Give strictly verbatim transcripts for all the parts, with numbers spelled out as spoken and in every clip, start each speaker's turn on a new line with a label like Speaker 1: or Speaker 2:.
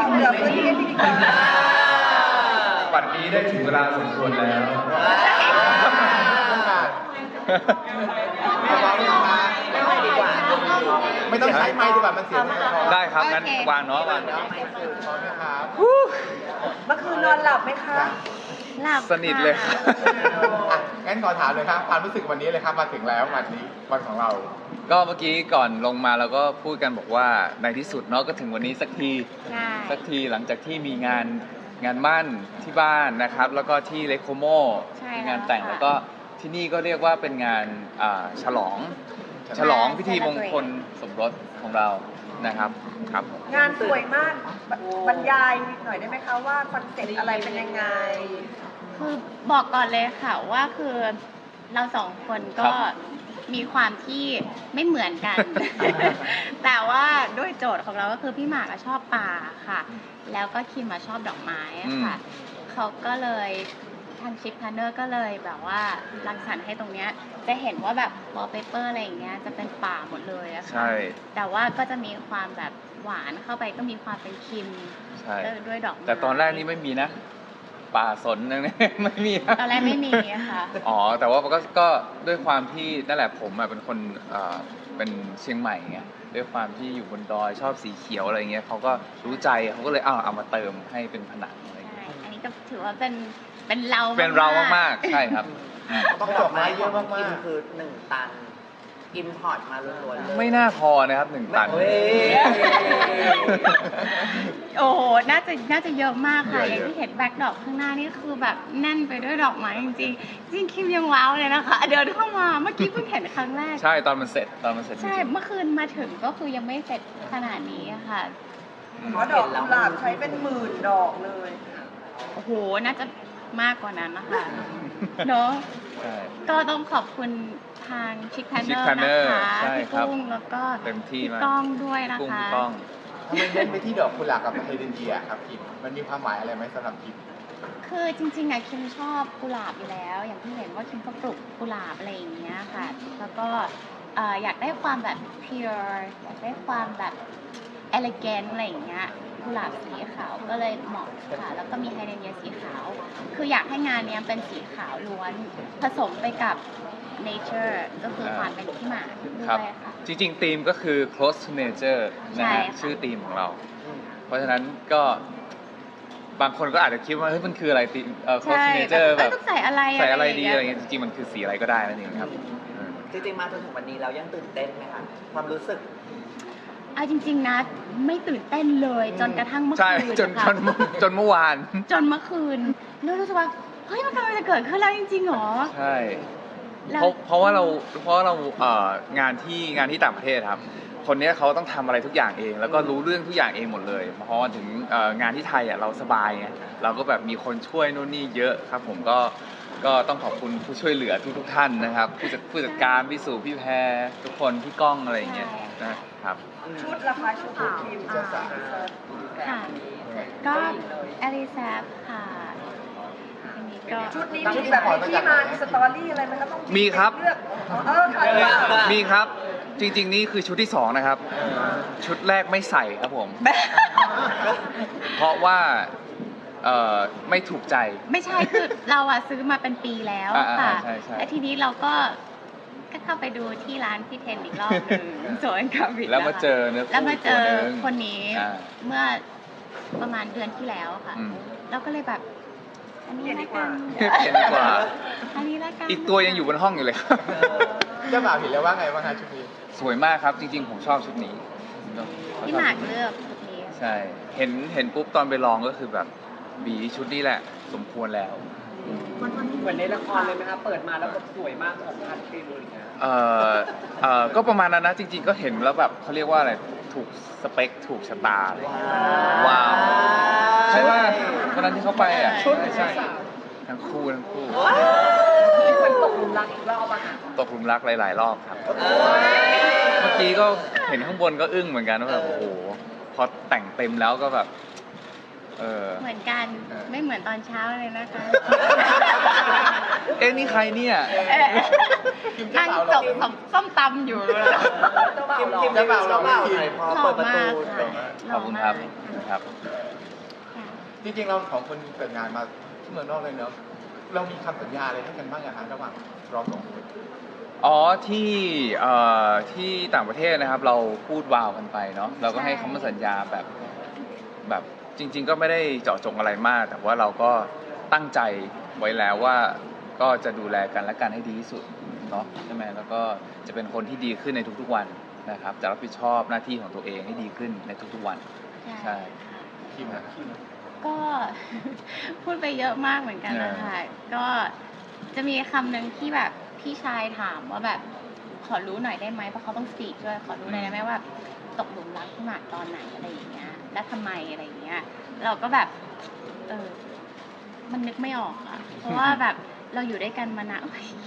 Speaker 1: เหลือพื้นที่ให้พิธีกร
Speaker 2: วันนี้ได้ถึงเวลาสมควรแล้ว
Speaker 3: ไม่ต้องใช้ไม้ดีกว่ามันเสียง
Speaker 2: ได้ครับงั้นวางเนาะวาง
Speaker 3: ไม่สื่อพร้อมนะครับ
Speaker 1: เมื่อคืนนอนหลับไหมคะ
Speaker 4: หลับ
Speaker 2: สนิทเลยครับ
Speaker 3: อ่ะงั้นขอถามเลยครับความรู้สึกวันนี้เลยครับมาถึงแล้ววันนี้วันของเรา
Speaker 2: ก็เมื่อกี้ก่อนลงมาเราก็พูดกันบอกว่าในที่สุดเนาะก็ถึงวันนี้สักที
Speaker 4: ใช่
Speaker 2: สักทีหลังจากที่มีงานงานมั่นที่บ้านนะครับ แล้วก็ที่เลโคโม
Speaker 4: ใช่
Speaker 2: มี
Speaker 4: แล้ว
Speaker 2: งานแต่ง
Speaker 4: ค่ะ
Speaker 2: แล้วก็ที่นี่ก็เรียกว่าเป็นงานอ่าฉลอง ฉลองพิธีมงคลสมรสของเรานะครับครับผม
Speaker 1: งานสวยมากบรรยายหน่อยได้ไหมคะว่าคอนเซ็ปต์อะไรเป็นยังไง
Speaker 4: คือบอกก่อนเลยค่ะว่าคือเราสองคนก็มีความที่ไม่เหมือนกัน แต่ว่าด้วยโจทย์ของเราก็คือพี่หมากอะชอบป่าค่ะ แล้วก็คิมมาชอบดอกไม้อะค่ะเขาก็เลยทางชิปพาร์เนอร์ก็เลยแบบว่ารังสรรค์ให้ตรงเนี้ยจะเห็นว่าแบบวอลเปเปอร์อะไรอย่างเงี้ยจะเป็นป่าหมดเลยอะค่ะ
Speaker 2: ใช่
Speaker 4: แต่ว่าก็จะมีความแบบหวานเข้าไปก็มีความเป็นคิม
Speaker 2: ใช่
Speaker 4: ด้วยดอกไม้
Speaker 2: แต่ตอนแรกนี่ไม่มีนะ ป่าสนนั่น ไม่มีนะ
Speaker 4: ตอนแรกไม่มีอะค่ะ
Speaker 2: อ๋อแต่ว่าก็ก็ด้วยความที่นั่นแหละผมอะเป็นคนเอ่อเป็นเชียงใหม่ไงด้วยความที่อยู่บนดอยชอบสีเขียวอะไรเงี้ยเขาก็รู้ใจเขาก็เลยเอาเอามาเติมให้เป็นผนังอะไร
Speaker 4: ใช่
Speaker 2: เงี้ย
Speaker 4: อันนี้ก็ถือว่าเป็นเป็นเรา
Speaker 2: เป็นเรามากๆใช่ครับอืม
Speaker 3: ต้องดอกไม้เยอะมาก
Speaker 5: กินคือหนึ่งตัน อิมพอร์ตมาล้วนๆเลย
Speaker 2: ไม่น่าพอนะครับหนึ่งตัน
Speaker 5: เฮ้ย
Speaker 4: โอ้โห น่าจะน่าจะเยอะมากค่ะ อย่างที่เห็นแบ็คดอกข้างหน้านี่คือแบบแน่นไปด้วยดอกไม้จริงๆ จริงคิมยังว้าวเลยนะคะ เดินเข้ามาเมื่อกี้เพิ่งเห็นครั้งแรก
Speaker 2: ใช่ตอนมันเสร็จตอนมันเสร็จจ
Speaker 4: ใช่
Speaker 2: ริง
Speaker 4: เมื่อคืนมาถึงก็คือยังไม่เสร็จขนาดนี้อะค่ะ
Speaker 1: เพราะดอกกุหลาบใช้เป็นหมื่นดอกเลย
Speaker 4: โอ้โห น่าจะมากกว่านั้นนะคะ เนาะ
Speaker 2: ๆใช่
Speaker 4: ก็ต้องขอบคุณทางชิคแพนเนอ
Speaker 2: Chick
Speaker 4: ร์
Speaker 2: Planner
Speaker 4: นะคะ
Speaker 2: ใช่
Speaker 4: พี่
Speaker 2: ครับ
Speaker 4: กุ้งแล้วก็
Speaker 2: เต็มที่
Speaker 4: พี่
Speaker 2: มาก
Speaker 4: ก้องด้วยนะ
Speaker 2: กุ้ง
Speaker 4: คะ
Speaker 2: พี่ก้อง
Speaker 3: ทำไมเน้นไปที่ดอกกุหลาบกับเฮเดนเยียครับคิมมันมีความหมายอะไรไหมสำหรับคิม
Speaker 4: คือจริงๆอะคิมชอบกุหลาบอยู่แล้ว อย่างที่เห็นว่าคิมก็ปลูกกุหลาบอะไรอย่างเงี้ยค่ะ แล้วก็เอ่ออยากได้ความแบบ pure อยากได้ความแบบ elegant อะไรอย่างเงี้ยกุหลาบสีขาวก็เลยเหมาะค่ะ แล้วก็มีไฮเดรนเยียสีขาว คืออยากให้งานเนี้ยเป็นสีขาวล้วน ผสมไปกับ nature ก็คือความเป็นที่หมาด้
Speaker 2: ครั
Speaker 4: ว
Speaker 2: บ
Speaker 4: ยค่ะ
Speaker 2: จริงๆธีมก็คือ close to nature นะ
Speaker 4: ใช่
Speaker 2: ฮะ
Speaker 4: ค่ะ
Speaker 2: ชื่อธีมของเรา เพราะฉะนั้นก็บางคนก็อาจจะคิดว่าเฮ้ยมันคืออะไรธีมเอ่อ close
Speaker 4: ใช่
Speaker 2: to nature
Speaker 4: แบ
Speaker 2: แบบ บ
Speaker 4: ต้องใส่อะไร
Speaker 2: ใส่อะไรดี
Speaker 4: ย่าง
Speaker 2: อะไร
Speaker 4: เงี้ย
Speaker 2: เงี้ยจริงๆมันคือสีอะไรก็ได้นั่นเองครับอืม
Speaker 5: จริงๆ มาจนถึงวันนี้เรายังตื่นเต้นไหมคะ ความรู้สึก
Speaker 4: เอาจริงๆนะไม่ตื่นเต้นเลยจนกระทั่งเมื่อ
Speaker 2: ใช่
Speaker 4: คืน
Speaker 2: จน
Speaker 4: นะคะ
Speaker 2: จนจนเมื่อวาน
Speaker 4: จนเมื่อคืนแล้วรู้สึกว่าเฮ้ยมันกำลังจะเกิดขึ้นแล้วจริงๆหรอ
Speaker 2: ใช่
Speaker 4: แล้ว
Speaker 2: เพราะเพราะว่าเราเพราะว่าเราเอ่องานที่งานที่ต่างประเทศครับ คนเนี้ยเขาต้องทำอะไรทุกอย่างเอง แล้วก็รู้เรื่องทุกอย่างเองหมดเลยพอถึงเอ่องานที่ไทยอ่ะเราสบายไงเราก็แบบมีคนช่วยนู่นนี่เยอะครับ ผมก็ก็ต้องขอบคุณผู้ช่วยเหลือทุกทุกๆท่านนะครับผู้จัดผู้จัดการพี่สุพี่แพรทุกคนพี่ก้องอะไรอย่างเงี้ยนะครับ
Speaker 1: ชุดราคาชุดของทีมจะสั่ง
Speaker 4: ค่ะ ก็อลิซาค่ะอันนี้ก็
Speaker 1: ชุดนี้มีแบบมีที่มามีสตอรี่อะไรไหมคะต้อง
Speaker 2: มีครับ
Speaker 1: เลือกเออค่ะ
Speaker 2: มีครับจริงๆนี่คือชุดที่สองนะครับ ชุดแรกไม่ใส่ครับผม เพราะว่าเอ่อไม่ถูกใจ
Speaker 4: ไม่ใช่คือเราอะซื้อมาเป็นปีแล้ว
Speaker 2: อ่า
Speaker 4: ค่ะ
Speaker 2: ๆใช่ใช่
Speaker 4: แล้วทีนี้เราก็ก็เข้าไปดูที่ร้านพี่เทนอีกรอบหนึ่งโซนคาบิ
Speaker 2: แล้วมาเจอเนื้อ
Speaker 4: แล้ว
Speaker 2: คู่
Speaker 4: มา
Speaker 2: อีก
Speaker 4: เจ
Speaker 2: ตัว
Speaker 4: อ
Speaker 2: หนึง
Speaker 4: คนนี้
Speaker 2: อ่า
Speaker 4: เมื่อประมาณเดือนที่แล้วค่ะ
Speaker 2: อืม
Speaker 4: เราก็เลยแบบ อันนี้ละกัน
Speaker 2: เปลี่ยนดีกว่า
Speaker 4: อันนี้ละกัน
Speaker 2: อีกตัวยังอยู่บนห้องอยู่เลย
Speaker 3: เจ้าบ่าวเห็นแล้วว่าไงบ้างคะชุดนี้
Speaker 2: สวยมากครับจริงๆผมชอบชุดนี้
Speaker 4: พี่หมากเลือกชุดนี้
Speaker 2: ใช่เห็นเห็นปุ๊บตอนไปลองก็คือแบบบีชุดนี้แหละ สมควรแล้ว
Speaker 6: เหมือนในละครเลยไหมคะเปิดมาแล้วแบบสวยมากของพันฟิลอะไรเงี้ย
Speaker 2: เอ่อเอ่อก็ประมาณนั้นนะจริงๆก็เห็นแล้วแบบเขาเรียกว่าอะไรถูกสเปคถูกชะตาเลยว้าวใช่ว่าวันนั้นที่เขาไปอ่ะ
Speaker 4: ชุด
Speaker 2: ใช่ใช่ทั้งคู่ทั้งคู่
Speaker 6: นี่เหมือนตกหลุมรักอีกรอบอะค่ะ
Speaker 2: ตกหลุมรักหลาย ๆ รอบครับ เมื่อกี้ก็เห็นข้างบนก็อึ้งเหมือนกันว่าแบบโอ้โหพอแต่งเต็มแล้วก็แบบเออ
Speaker 4: เหมือนกัน
Speaker 2: เออ
Speaker 4: ไม่เหมือนตอนเช้าเลยนะคะ
Speaker 2: เอ๊ะนี่ใครเนี่ย
Speaker 4: นั่งจบส้มตำอยู่เลย
Speaker 6: เจ้าบ่าว
Speaker 5: คิม
Speaker 6: หล่อ
Speaker 5: คิม
Speaker 3: เจ้าบ่าว
Speaker 5: เจ้าบ่าว
Speaker 3: หล่อ
Speaker 5: หน่อยพอ
Speaker 4: หล่อ
Speaker 5: เปิดประ
Speaker 4: มา
Speaker 5: ตู
Speaker 4: กค่ะ
Speaker 2: ขอบคุณครับ
Speaker 4: หล่อ
Speaker 2: ครับ
Speaker 3: จริงๆเราสองคนแต่งงานมาที่เมืองนอกเลยเนอะเรามีคำสัญญาอะไรให้กันบ้างอะฮะระหว่างเราสองคน
Speaker 2: อ๋อที่เอ่อที่ต่างประเทศนะครับเราพูดวาวกันไปเนาะเราก็ให้คำมั่นสัญญาแบบแบบจริง ๆ ก็ไม่ได้เจาะจงอะไรมาก แต่ว่าเราก็ตั้งใจไว้แล้วว่าก็จะดูแลกันและกันให้ดีที่สุดเนาะใช่ไหมแล้วก็จะเป็นคนที่ดีขึ้นในทุกๆวันนะครับจะรับผิดชอบหน้าที่ของตัวเองให้ดีขึ้นในทุกๆวันใช่
Speaker 4: ค่ะ
Speaker 3: คิมนะ
Speaker 4: ก็ พูดไปเยอะมากเหมือนกันนะคะก็จะมีคำหนึ่งที่แบบพี่ชายถามว่าแบบขอรู้หน่อยได้ไหมเพราะเขาต้องสปีกด้วยขอรู้หน่อยได้ไหมว่าตกหลุมรักพี่หมากตอนไหนอะไรอย่างเงี้ยและทำไมอะไรอย่างเงี้ยเราก็แบบเออมันนึกไม่ออกอะเพราะว่าแบบเราอยู่ด้วยกันมานาน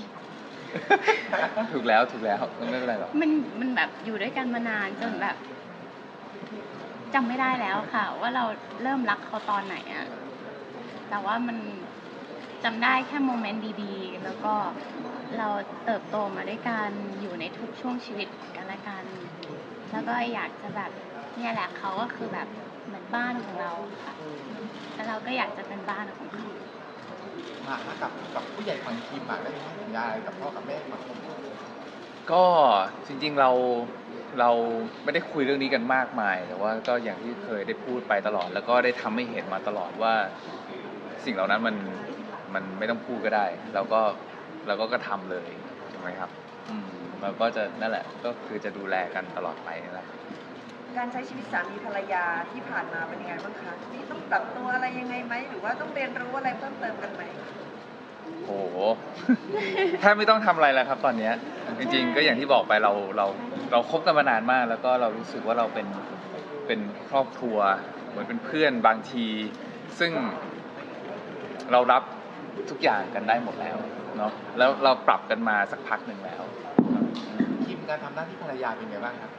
Speaker 2: ถูกแล้วถูกแล้วไม่เป็นไรหรอก
Speaker 4: มันมันแบบอยู่ด้วยกันมานานจนแบบจำไม่ได้แล้วค่ะ ว่าเราเริ่มรักเขาตอนไหนอะแต่ว่ามันจำได้แค่โมเมนต์ดีๆ แล้วก็เราเติบโตมาด้วยกันอยู่ในทุกช่วงชีวิตกันและกัน แล้วก็อยากจะแบบเนี่ยแหละเขาก็คือแบบเหมือนบ้านของเราค่ะแล้วเราก็อยากจะเป็นบ้านของเขา
Speaker 3: มากับกับผู้ใหญ่ฝั่งคิมอะได้ให้สัญญาอะไรกับพ่อกับแม่มา
Speaker 2: ก็จริงๆเราเราไม่ได้คุยเรื่องนี้กันมากมายแต่ว่าก็อย่างที่เคยได้พูดไปตลอด แล้วก็ได้ทำให้เห็นมาตลอดว่าสิ่งเหล่านั้นมันมันไม่ต้องพูดก็ได้เราก็เราก็กระทำเลยใช่ไหมครับอืมเราก็จะนั่นแหละก็คือจะดูแลกันตลอดไปนั่นแหละ
Speaker 1: การใช้ชีวิตสามีภรรยาที่ผ่านมาเป็นยังไงบ้างคะนี่ต้องปรับตัวอะไรยังไงไหมหรือว่าต้องเรียนรู้อะไรเพิ่มเติมกันไหม
Speaker 2: โอ้โห แทบไม่ต้องทำอะไรแล้วครับตอนเนี้ยจริงๆก็อย่างที่บอกไปเราเราเราคบกันมานานมาก แล้วก็เรารู้สึกว่าเราเป็นเป็นครอบครัวเหมือนเป็นเพื่อนบางที ซึ่งเรารับทุกอย่างกันได้หมดแล้วเนาะแล้วเราปรับกันมาสักพักหนึ่งแล้ว
Speaker 3: คิมการทำหน้าที่ภรรยาเป็นไงบ้างครับ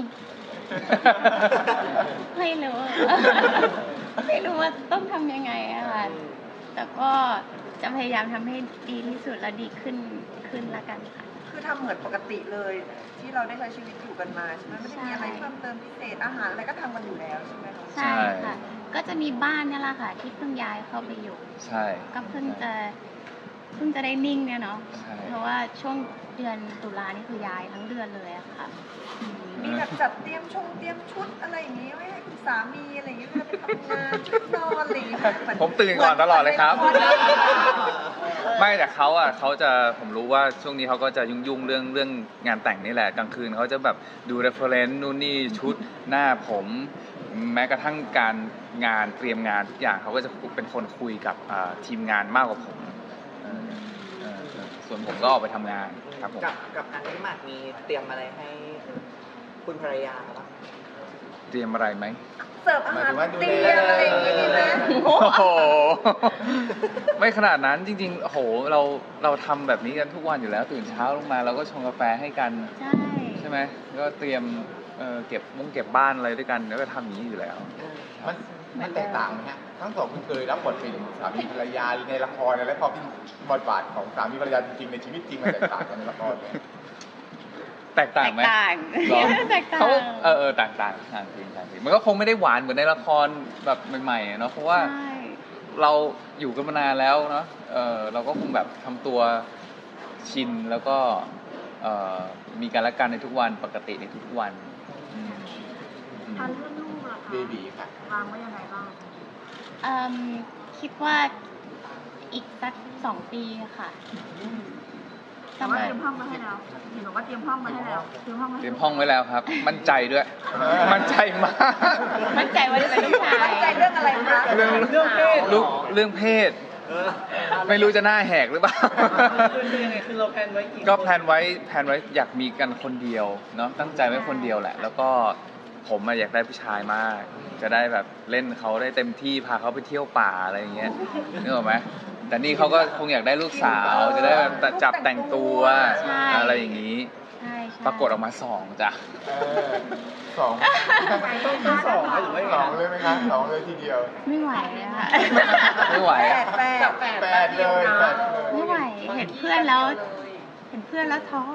Speaker 4: ไม่รู้ ไม่รู้ว่าต้องทำยังไงอะค่ะ แต่ก็จะพยายามทำให้ดีที่สุดและดีขึ้นขึ้นละกันค่ะ
Speaker 1: คือทำเหมือนปกติเลย ที่เราได้ใช้ชีวิตอยู่กันมาใช่ไหมไม่ได้มีอะไรเพิ่มเติมพิเศษอาหารอะไรก็ทำกันอยู่แล้วใช่ไหมคะ
Speaker 4: ใช่ค่ะ ก็จะมีบ้านเนี่ยแหละค่ะ ที่เพิ่งย้ายเข้าไปอยู่
Speaker 2: ใช่
Speaker 4: ก็เพิ่งจะเพิ่งจะได้นิ่งเนี่ยเนาะ
Speaker 2: ใช่
Speaker 4: เพราะว่าช่วงเดือนตุลานี่คือย้ายทั้งเดือนเลยอะค่ะ
Speaker 1: มีแบบจัดเตรียมชงเตรียมชุดอะไรอย่างงี้ไว้ให้คุณสามีอะไรอย่างเงี้ยเวลาไปทำงานชุดนอนอะไรอย่างเงี้ยเหน
Speaker 2: ผมตื่นก่อนตลอดเลยครับ
Speaker 1: หมือนในละคร
Speaker 2: ไม่แต่เขาอ่ะเขาจะผมรู้ว่าช่วงนี้เขาก็จะยุ่งๆเรื่องเรื่องงานแต่งนี่แหละกลางคืนเขาจะแบบดู reference นู่นนี่ชุดหน้าผม แม้กระทั่งการงานเตรียมงานทุกอย่างเขาก็จะเป็นคนคุยกับอ่าทีมงานมากกว่าผมเออเออเออส่วนผมก็ออกไปทำงานครับผม
Speaker 5: กับกับทางพี่หมากมีเตรียมอะไรให้คุณภรรยาบ้าง
Speaker 2: เตรียมอะไรไหม
Speaker 1: เสิร์ฟอาหารเตรียมอะไรอย่างงี้ดีไหม
Speaker 2: โอ้โห ไม่ขนาดนั้นจริงๆโอ้โหเราเราทำแบบนี้กันทุกวันอยู่แล้วตื่นเช้าลงมาเราก็ชงกาแฟให้กัน
Speaker 4: ใช่
Speaker 2: ใช่ไหมก็เตรียมเอ่อเก็บมุ้งเก็บบ้านอะไรด้วยกันแล้วก็ทำอย่างนี้อยู่แล้ว
Speaker 3: มันมันแตกต่างไหมฮะทั้งสองคุณเคยรับบทเป็นสามีภรรยาในละครและพอเป็นบทบาทของสามีภรรยาจริงๆในชีวิตจริงมันแตกต่างกันในละครไหม
Speaker 2: แตกต่างไหม
Speaker 4: แตกต่าง
Speaker 2: หรอ
Speaker 4: แตกต่าง
Speaker 2: เขาเออเออต่างต่างต่างจริงต่างจริงมันก็คงไม่ได้หวานเหมือนในละครแบบใหม่ๆอะเนาะเพราะว่า
Speaker 4: ใช่
Speaker 2: เราอยู่กันมานานแล้วเนาะเออเราก็คงแบบทำตัวชินแล้วก็เอ่อมีการละกันในทุกวันปกติในทุกวันอืมอืม
Speaker 1: อันเรื่องลูกล่ะ
Speaker 3: เบบีค่ะ
Speaker 1: วางไว้ยังไงบ้าง
Speaker 4: เอิ่มคิดว่าอีกสักสองปีค่ะ
Speaker 1: แต่ว่าเตรียมห้องมาให้แล้วเห็นบอกว่าเตรียมห้องมาให้แล้วเตรียมห้องมา
Speaker 2: เต
Speaker 1: ให้
Speaker 2: รียมห้องไว้แล้วครับ มั่นใจด้วย มั่นใจมาก
Speaker 4: มั่นใจว่าจะเป็นลูกชาย
Speaker 1: มั่นใจเรื่องอะไรคะ
Speaker 2: เรื่อง
Speaker 6: เรื่องเพศ
Speaker 2: ลูกเรื่องเพศ ไม่รู้จะหน้าแหกหรือเปล่า
Speaker 6: คือยังไงคือเราแพลนไว้กี่
Speaker 2: ก็แพลนไว้แพลนไว้อยากมีกันคนเดียวเนาะตั้งใจไว้คนเดียวแหละ แล้วก็ผมอะอยากได้ผู้ชายมาก จะได้แบบเล่นเขาได้เต็มที่พาเขาไปเที่ยวป่าอะไรอย่างเงี้ยนึกออกไหมแต่นี่เขาก็คงอยากได้ลูกสาวจะได้แบบจับแต่งตัว
Speaker 4: ใช่
Speaker 2: อะไรอย่างนี้
Speaker 4: ใช่ใช่
Speaker 2: ปรากฏออกมาสองจ้ะ
Speaker 3: เออสอง
Speaker 6: ต้องต้องสองไหมหรือว่ายัง
Speaker 3: ส
Speaker 6: ไง
Speaker 3: องเลยไหมคะสองเลยทีเดียว
Speaker 4: ไม่ไหวอะค่ะ
Speaker 2: ไม่ไหว
Speaker 1: แปด
Speaker 2: อะ
Speaker 1: แปด
Speaker 3: แปดเลยแปดเลย
Speaker 4: ไม่ไหว เห็นเพื่อนแล้ว เห็นเพื่อนแล้วท้อ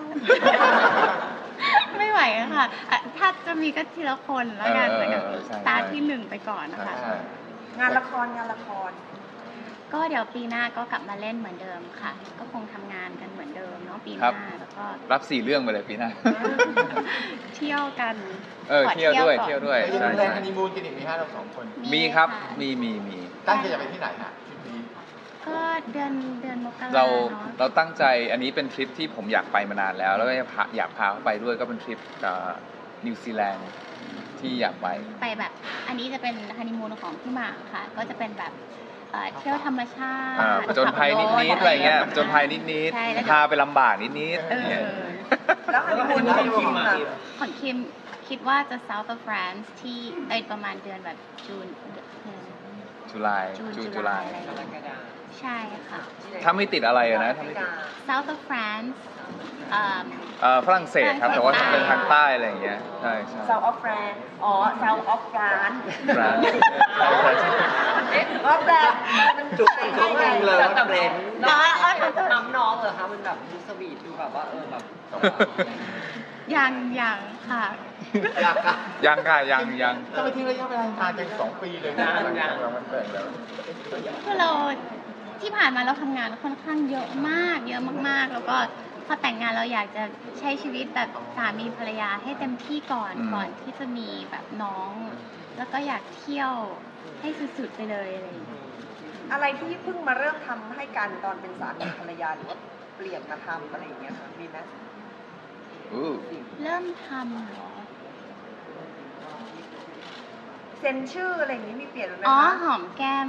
Speaker 4: ไม่ไหวอะค่ะอ่ะถ้าจะมีก็ทีละคนแล้วกัน
Speaker 2: เออ
Speaker 4: เหมือนกับ
Speaker 2: เออใช่
Speaker 4: ตาร์ทที่หนึ่งไปก่อนนะคะ
Speaker 3: ใช่
Speaker 1: งานละครงานละคร
Speaker 4: ก็เดี๋ยวปีหน้าก็กลับมาเล่นเหมือนเดิมค่ะ ก็คงทำงานกันเหมือนเดิมเนาะปีห
Speaker 2: ครั
Speaker 4: น้า
Speaker 2: บ
Speaker 4: แล้วก็
Speaker 2: รับสี่เรื่องไปเลยปีหน้า
Speaker 4: เที่ยวกัน
Speaker 2: เออ
Speaker 4: ข
Speaker 2: เที่ยวด้วย
Speaker 4: ก่อน
Speaker 2: เที่ยวด้วย
Speaker 3: ยัง
Speaker 2: ใช่
Speaker 3: มีแรง
Speaker 2: ใช่
Speaker 3: ฮันนีมูนกันอีกไหมฮะเราสองคน
Speaker 2: มีครับ
Speaker 4: ะ
Speaker 2: มีมีมี
Speaker 3: ตั้งใจจะไปที่ไหนฮะทริปนี้
Speaker 4: ก็เดือนเดือนมกรา
Speaker 2: เรา
Speaker 4: เนาะ
Speaker 2: เราตั้งใจอันนี้เป็นทริปที่ผมอยากไปมานานแล้ว แล้วก็อยากพาอยากพาเขาไปด้วยก็เป็นทริปนิวซีแลนด์ที่อยากไป
Speaker 4: ไปแบบ อันนี้จะเป็นฮันนีมูนของพี่หมากค่ะ ก็จะเป็นแบบเอ่อเที่ยวธรรมชาติ
Speaker 2: อ่าผจญภัยนิดๆอะไรเงี้ยผจญภัยนิด
Speaker 4: ใช่แล้ว
Speaker 2: ๆ
Speaker 4: ก็
Speaker 2: พาไปลำบากนิด
Speaker 4: เอ
Speaker 2: ๆเนี่ย
Speaker 4: อ
Speaker 1: แล้วฮันนีมูนของคิมอะ
Speaker 4: ของคิมคิดว่าจะ South of France ที่เอยประมาณเดือนแบบจูนเดือน
Speaker 2: จุลาย
Speaker 4: จูน
Speaker 2: จู
Speaker 4: จุ
Speaker 2: จุ
Speaker 4: ลา
Speaker 2: ลาย ย
Speaker 4: อะไรอย่าง
Speaker 6: กร
Speaker 4: เงี้ย
Speaker 6: กฎา
Speaker 4: ใช่ค่ะ
Speaker 2: ถ้าไม่ติดอะไรอะนะถ้าไม่ติด
Speaker 4: South of France เอ่อ
Speaker 2: เอ่อฝรั่งเศสครับ แต่ว่าจะเป็นทางใต้อะไรอย่างเงี้ยใช่ใช่
Speaker 1: South of France อ๋อ South of France
Speaker 2: ฟรานซ์ใช่ใช่ใช่
Speaker 1: เอ๊ะว่าแปลมัน
Speaker 5: จุดจริงๆเลยว่า
Speaker 6: แต่
Speaker 5: เบรน
Speaker 6: น้องน้ำน้องเหรอคะมันแบบดูสวีทดูแบบว่าเออแบบ
Speaker 4: ยังยังค่ะ
Speaker 3: อยากอะ
Speaker 2: ยังค่ะยังยัง
Speaker 3: จะไปทิ้งระยะเวลานานจังสองปีเลยนะหลังจากเรามันแต่งแล้ว
Speaker 4: คือเราที่ผ่านมาเราทำงานค่อนข้างเยอะมากเยอะมากๆ แล้วก็พอแต่งงานเราอยากจะใช้ชีวิตแบบสามีภรรยาให้เต็มที่ก่อนก่อนที่จะมีแบบน้อง แล้วก็อยากเที่ยวให้สุดๆไปเลยอะไรอย่างเงี้ย
Speaker 1: อะไรที่เพิ่งมาเริ่มทำให้กันตอนเป็นสามีภรรยาหรือว่าเปลี่ยนมาทำอะไรอย่างเงี้ยค่ะมีไหม
Speaker 2: อู้
Speaker 4: เริ่มทำเหรอ
Speaker 1: เซ็นชื่ออะไรอย่างนี้มีเปลี่ยนไหม
Speaker 4: อ๋อ
Speaker 1: คะ
Speaker 4: หอมแก้ม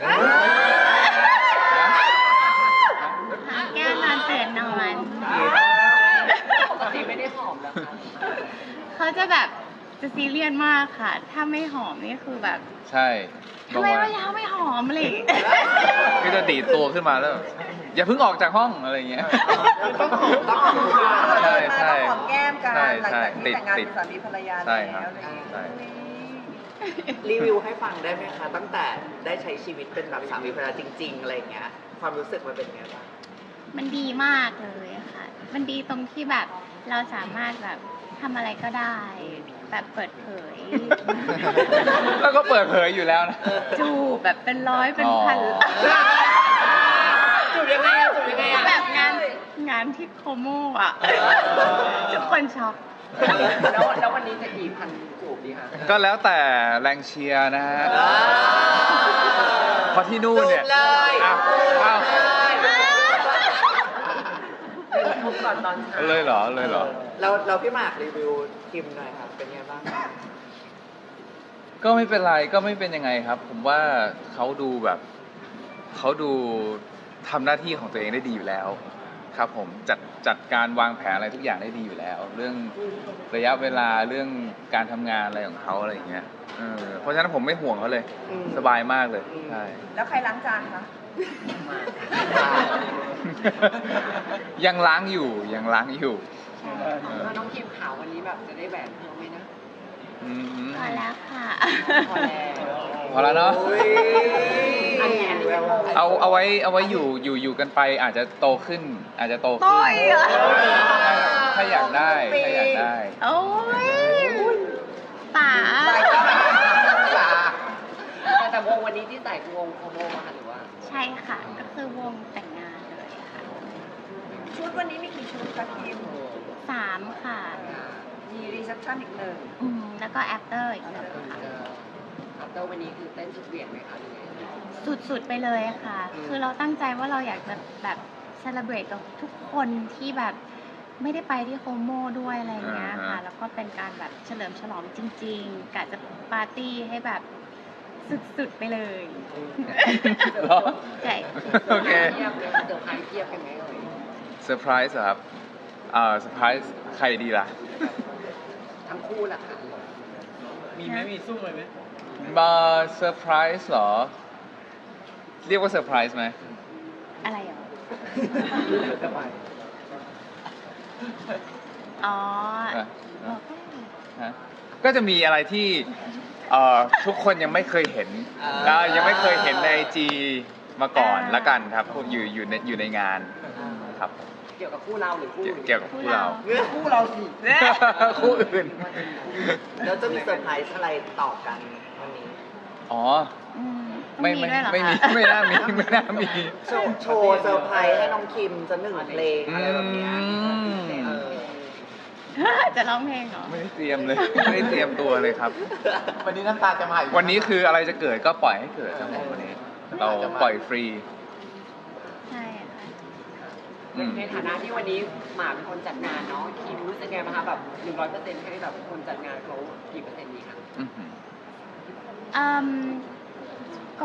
Speaker 4: หอมแก้มนอนตื่นนอน
Speaker 6: ปกติไม่ได้หอมแล้วค่ะ
Speaker 4: เขาจะแบบจะซีเรียสมากค่ะ ถ้าไม่หอมนี่คือแบบ
Speaker 2: ใช่
Speaker 4: ทำไมว่ายังไม่หอมอะไรอย่างเลย
Speaker 2: ก็จะดีดตัวขึ้นมาแล้วแบบอย่าเพิ่งออกจากห้องอะไรอย่างเงี้ย
Speaker 5: ต้องหอมต้องหอม
Speaker 2: ใช่ใช่
Speaker 1: ต้องหอมแก้มกัน
Speaker 2: ใช่
Speaker 1: หลัง
Speaker 2: ใช่
Speaker 1: จากที่แต่งงาน
Speaker 2: ติด
Speaker 1: เป็นสามีภรรยา
Speaker 2: ใช่
Speaker 1: แล้ว
Speaker 2: ครับ
Speaker 1: อะไรอย่างเงี้ย
Speaker 2: ใช่
Speaker 5: รีวิวให้ฟังได้ไหมคะ ตั้งแต่ได้ใช้ชีวิตเป็นแบบสามีภรรยาจริง ๆ อะไรอย่างเงี้ย ความรู้สึกมันเป็นไงบ้าง
Speaker 4: มันดีมากเลยอะค่ะ มันดีตรงที่แบบเราสามารถแบบทำอะไรก็ได้ แบบเปิดเผย
Speaker 2: แล้วก็เปิดเผยอยู่แล้วนะ
Speaker 4: จูบแบบเป็นร้อยเป็นพัน
Speaker 2: อ๋อ
Speaker 5: จูบยังไงอะจูบยังไงอะ
Speaker 4: แบบงานงานที่โคโมอ่ะทุกคนช็อก
Speaker 6: แล้วแล้ววันนี้จะกี่พันจูบดีคะ
Speaker 2: ก็แล้วแต่แรงเชียร์นะฮะเพราะที่นู่นเนี่ย
Speaker 5: จูบเลย
Speaker 2: อ้าวอ้าว
Speaker 6: เป็นทุกก่อนตอนเช้า
Speaker 2: เลยเหรอเลยเหรอ
Speaker 5: เราเราพี่หมากรีวิวคิมหน่อยครับ เป็นไงบ้าง
Speaker 2: ก็ไม่เป็นไรก็ไม่เป็นยังไงครับ ผมว่าเขาดูแบบเขาดูทำหน้าที่ของตัวเองได้ดีอยู่แล้ว ครับผมจัดจัดการวางแผนอะไรทุกอย่างได้ดีอยู่แล้ว เรื่องระยะเวลาเรื่องการทำงานอะไรของเขาอะไรอย่างเงี้ยเออเพราะฉะนั้นผมไม่ห่วงเขาเลย
Speaker 5: อืม
Speaker 2: สบายมากเลยใช่
Speaker 1: แล้วใครล้างจานคะ
Speaker 2: ยังล้างอยู่ยังล้างอยู่
Speaker 6: ถ้าน้องคิมขาววันนี้แบบจะได้แหวนเพิ่มไหมนะ
Speaker 2: อืม
Speaker 4: พอแล้วค่ะ
Speaker 6: พอแล้ว
Speaker 2: พอแล้วเนาะ
Speaker 5: โอ้ย
Speaker 6: อันนี้อันนี้ไม่โม
Speaker 2: เอาเอาไว้เอาไว้อยู่อยู่อยู่กันไปอาจจะโตขึ้น อาจจะโตขึ้น
Speaker 4: โต้ยเหรอ
Speaker 2: ถ้าอยากได้ถ้าอยากได้
Speaker 4: โอ้ยป๋า
Speaker 6: แต่แต่วงวันนี้ที่ใส่คือวงโคโมมาค่ะหรือว่า
Speaker 4: ใช่ค่ะ ก็คือวงแต่งงานเลยค่ะ
Speaker 1: ชุดวันนี้มีกี่ชุดคะคิม
Speaker 4: สามค่ะ
Speaker 1: มีรีเซพชันอีกหนึ่ง
Speaker 4: อืมแล้วก็แอปเตอร์อีกหนึ่งค่ะ
Speaker 6: อัปเตอร์วันนี้คือเต้นสุดเหวี่ยงไหมคะหรือไง
Speaker 4: สุดๆไปเลยค่ะ คือเราตั้งใจว่าเราอยากจะแบบเซเลบรตกับทุกคนที่แบบไม่ได้ไปที่โฮโมด้วยอะไรอย่างเงี้ยค่ะ
Speaker 2: อ่าฮะ
Speaker 4: แล้วก็เป็นการแบบเฉลิมฉลองจริงๆกะจะปาร์ตี้ให้แบบสุดๆไปเลย
Speaker 2: เหรอ
Speaker 4: ใช่
Speaker 2: โอเค
Speaker 6: เทียบเลยเซอร์ไพรส์เทียบกันไหมเอ่ย
Speaker 2: เซอร์ไพรส์เหรอครับอ่าเซอร์ไพรส์ใครดีล่ะ
Speaker 6: ทั้งคู่แหละค่ะ
Speaker 4: มีไหมมีสู้
Speaker 2: มาเซอร์ไพรส์เหรอ เรียกว่าเซอร์ไพรส์ไหม
Speaker 4: อะไรเหรอ
Speaker 6: สบาย
Speaker 4: อ๋อ
Speaker 2: อ่ะ
Speaker 4: บอกได้
Speaker 2: ฮะก็จะมีอะไรที่เอ่อทุกคนยังไม่เคยเห็น
Speaker 5: อ่า
Speaker 2: แล้วยังไม่เคยเห็นในไอจีมาก่อนละกันครับอยู่อยู่ในอยู่ในงานครับ
Speaker 6: เกี่ยวกับคู่เราหรือคู่
Speaker 2: เกี่ยว
Speaker 6: อื่น
Speaker 2: เกี่ยวกับคู่เรา
Speaker 6: คู่เราสิ
Speaker 2: คู่อื่น
Speaker 5: แล้วจะมีเซอร์ไพรส์อะไรต่อกันวันนี้
Speaker 2: อ๋อ
Speaker 4: อืมต้อง
Speaker 2: ไม่
Speaker 4: มี
Speaker 2: ไม่
Speaker 4: ด้วยเหรอ
Speaker 2: ไม่มี
Speaker 4: คะ
Speaker 2: ไม่น่ามีไม่น่ามี
Speaker 5: โชว์โชว์เซอร์ไพรส์ให้น้องคิมจะหนึ่งเพลงอะไรแบบเนี้ย
Speaker 2: อืม
Speaker 5: เออ
Speaker 4: จะร้องเพลงเหรอ
Speaker 2: ไม่ได้เตรียมเลย ไม่ได้เตรียมตัวเลยครับ
Speaker 3: วันนี้น้ำตาจะมาอีก
Speaker 2: วันนี้คืออะไรจะเกิดก็ปล่อยให้เกิดครับผมวันนี้ เราปล่อยฟรี
Speaker 4: ใช่ค่ะ
Speaker 2: อืม
Speaker 6: ในฐานะที่วันนี้หมาเป็นคนจัดงานเนาะคิมรู้สึกไงบ้างคะแบบหนึ่งร้อยเปอร์เซ็นต์ให้แบบคนจัดงานเขากี่เปอร์เซ็นต์ดีคะ
Speaker 2: อื้อหือ
Speaker 4: อืมก็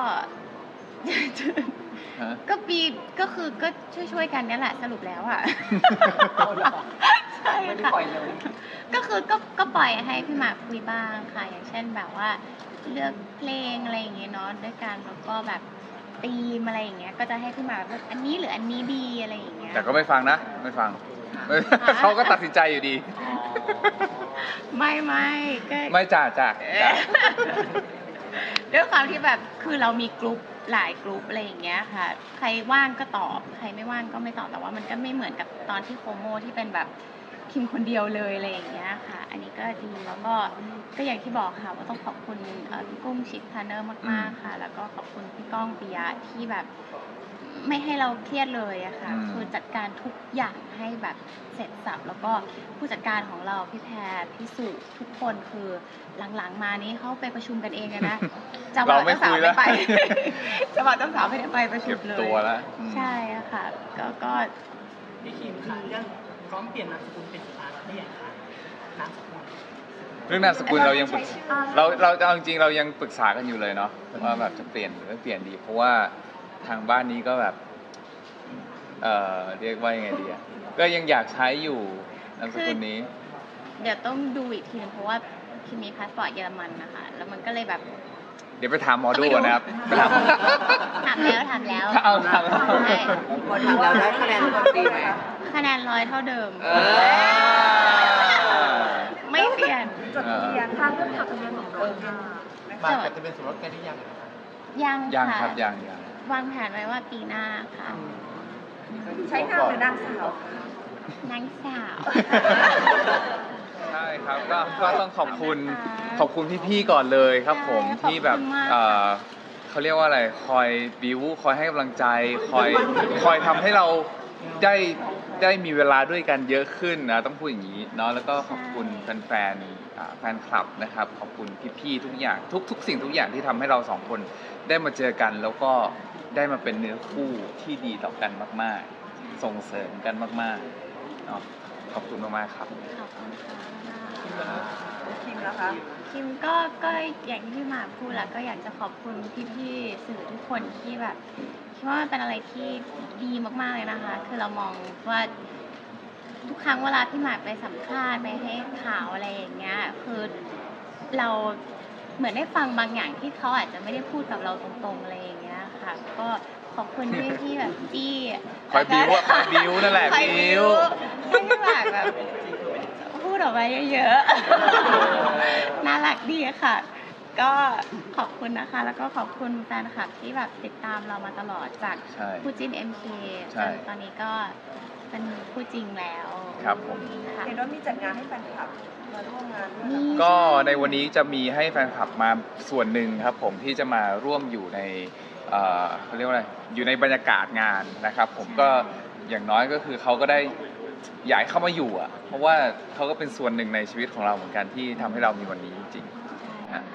Speaker 2: ฮะ
Speaker 4: ก็ปีก็คือก็ช่วยๆกันเนี่ยแหละสรุปแล้วอ่ะ
Speaker 6: เอาเหรอ
Speaker 4: ใช่
Speaker 6: ไม่ได้
Speaker 4: ค่ะ
Speaker 6: ปล่อยเลย
Speaker 4: ก็คือก็ก็ปล่อยให้พี่หมากคุยบ้างค่ะ อย่างเช่นแบบว่าเลือกเพลงอะไรอย่างเงี้ยเนาะด้วยกันแล้วก็แบบธีมอะไรอย่างเงี้ยก็จะให้พี่หมากแบบอันนี้หรืออันนี้ดีอะไรอย่างเงี้ย
Speaker 2: แต่ก็ไม่ฟังนะ ไม่ฟัง เขาก็ตัดสินใจอยู่ดี
Speaker 4: ไม่ไม่ก็
Speaker 2: ไม่จ่าจ่า
Speaker 4: เอ
Speaker 2: จ่า
Speaker 4: อ ด้วยความที่แบบคือเรามีกลุ่มหลายกลุ่มอะไรอย่างเงี้ยค่ะ ใครว่างก็ตอบ ใครไม่ว่างก็ไม่ตอบแต่ว่ามันก็ไม่เหมือนกับตอนที่โคโมที่เป็นแบบคิมคนเดียวเลยอะไรอย่างเงี้ยค่ะ อันนี้ก็ดีแล้วก็ก็อย่างที่บอกค่ะว่าต้องขอบคุณเอ่อพี่กุ้งชิคพาร์เนอร์มากๆค่ะ แล้วก็ขอบคุณพี่ก้องปิยะที่แบบไม่ให้เราเครียดเลยอะค่ะ
Speaker 2: อืม
Speaker 4: คือจัดการทุกอย่างให้แบบเสร็จสับแล้วก็ผู้จัดการของเราพี่แพรพี่สุทุกคนคือหลังๆมานี้เขาไปประชุมกันเองเลยนะ จะบอก
Speaker 2: เราไม่
Speaker 4: เจ้าสาว
Speaker 2: คุยแล้ว
Speaker 4: ไม่ไป จะบอกเจ้าสาวไม่ได้ไปประชุ
Speaker 2: เก็
Speaker 4: ม
Speaker 2: บ
Speaker 4: เลย
Speaker 2: ตัวแล้วอืม
Speaker 4: ใช่อะค่ะ ก็ก็
Speaker 7: พี่คิมค่ะเรื่องพร้อมเปลี่ยนนามสกุลเป็นฟ้าได้ยังคะนามสกุล
Speaker 2: เรื่องนามสกุลเรายังปรึกเราเราเอาจริงๆเรายังปรึกษากันอยู่เลยเนาะว่าแบบจะเปลี่ยนหรือไม่เปลี่ยนดี เพราะว่าทางบ้านนี้ก็แบบ เอ่อเรียกว่ายังไงดีอะก็ยังอยากใช้อยู่นามสกุลนี้
Speaker 4: เดี๋ยวต้องดูอีกทีนึงเพราะว่าคิมมีพาสปอร์ตเยอรมันนะคะ แล้วมันก็เลยแบบ
Speaker 2: เดี๋ยวไปถามหมอดูก่อนนะครับไปถาม
Speaker 4: ถามแล้วถามแล้ว
Speaker 2: เอาถาม
Speaker 4: ใช่
Speaker 5: พอทำแล้วได้คะแนนดีไหม
Speaker 4: คะแนนร้อยเท่าเดิม
Speaker 5: เออ
Speaker 4: ไม่เปลี่ยน
Speaker 1: จดทะเบียนทางเรื่องขับทะเบียนสมรสค่ะ
Speaker 3: มากับจะเป็นสมรสกันหรือยังนะครับ
Speaker 4: ยัง
Speaker 2: ยัง
Speaker 4: ค่ะ
Speaker 2: ครับยังยัง
Speaker 4: วางแผนไว้ว่าปีหน้าค่ะ
Speaker 1: ใช้นามหรือนางสาวคะ
Speaker 4: นางสาว
Speaker 2: ใช่ครับก็ก็ต้องขอบคุณ
Speaker 4: ขอบคุณนะคะ
Speaker 2: ขอบคุณพี่ๆก่อนเลยครับผม
Speaker 4: ใช่
Speaker 2: ที่แบบ
Speaker 4: ขอบคุณมาก
Speaker 2: เอ่อเขาเรียกว่าอะไรคอยบิวคอยให้กำลังใจ คอยคอยทำให้เราได้ได้มีเวลาด้วยกันเยอะขึ้นนะต้องพูดอย่างนี้เนาะแล้วก็ขอบคุณแฟนๆอ่าแฟนคลับนะครับ ขอบคุณพี่ๆทุกอย่างทุกทุกสิ่งทุกอย่างที่ทำให้เราสองคนได้มาเจอกัน แล้วก็ได้มาเป็นเนื้อคู่ที่ดีต่อกันมากๆ ส่งเสริมกันมากๆเนาะขอบคุณมากๆครับ
Speaker 4: ขอบคุณค่ะ
Speaker 1: คิมนะคะ
Speaker 4: คิมก็ก็อย่างที่พี่หมากพูดแหละก็อยากจะขอบคุณพี่ๆสื่อทุกคนที่แบบคิดว่ามันเป็นอะไรที่ดีมากๆเลยนะคะ คือเรามองว่าทุกครั้งเวลาพี่หมากไปสัมภาษณ์ไปให้ข่าวอะไรอย่างเงี้ยคือเราเหมือนได้ฟังบางอย่างที่เขาอาจจะไม่ได้พูดกับเราตรงๆอะไรอย่างเงี้ยค่ะ ก็ขอบคุณที่ที่แบบจี้
Speaker 2: คอยบิ้วอะคอยบิ้วนั่นแหละ
Speaker 4: คอย
Speaker 2: บิ้ว
Speaker 4: ให้พี่หมากแบบพูดออกมาเยอะๆ น่ารักดีค่ะ ก็ขอบคุณนะคะ แล้วก็ขอบคุณแฟนคลับที่แบบติดตามเรามาตลอดจาก
Speaker 2: ใช่
Speaker 4: คู่จิ้น เอ็ม เค
Speaker 2: ใช่
Speaker 4: จนตอนนี้ก็เป็นคู่จริงแล้ว
Speaker 2: ครับผม
Speaker 4: ค่ะ
Speaker 1: เห็นว่ามีจัดงานให้แฟนคลับมาร่วมงานด้วย
Speaker 4: นี่
Speaker 2: ก็ในวันนี้จะมีให้แฟนคลับมาส่วนหนึ่งครับผมที่จะมาร่วมอยู่ในเอ่อเขาเรียกว่าอะไรอยู่ในบรรยากาศงานนะครับ ผมก็อย่างน้อยก็คือเขาก็ได้อยากให้เข้ามาอยู่อ่ะเพราะว่าเขาก็เป็นส่วนหนึ่งในชีวิตของเราเหมือนกันที่ทำให้เรามีวันนี้จริงๆฮะ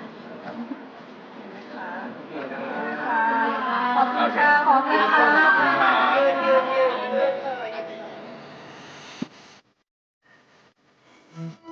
Speaker 1: ขอบคุณค่ะขอบคุณค่ะ
Speaker 2: ขอบคุณครับ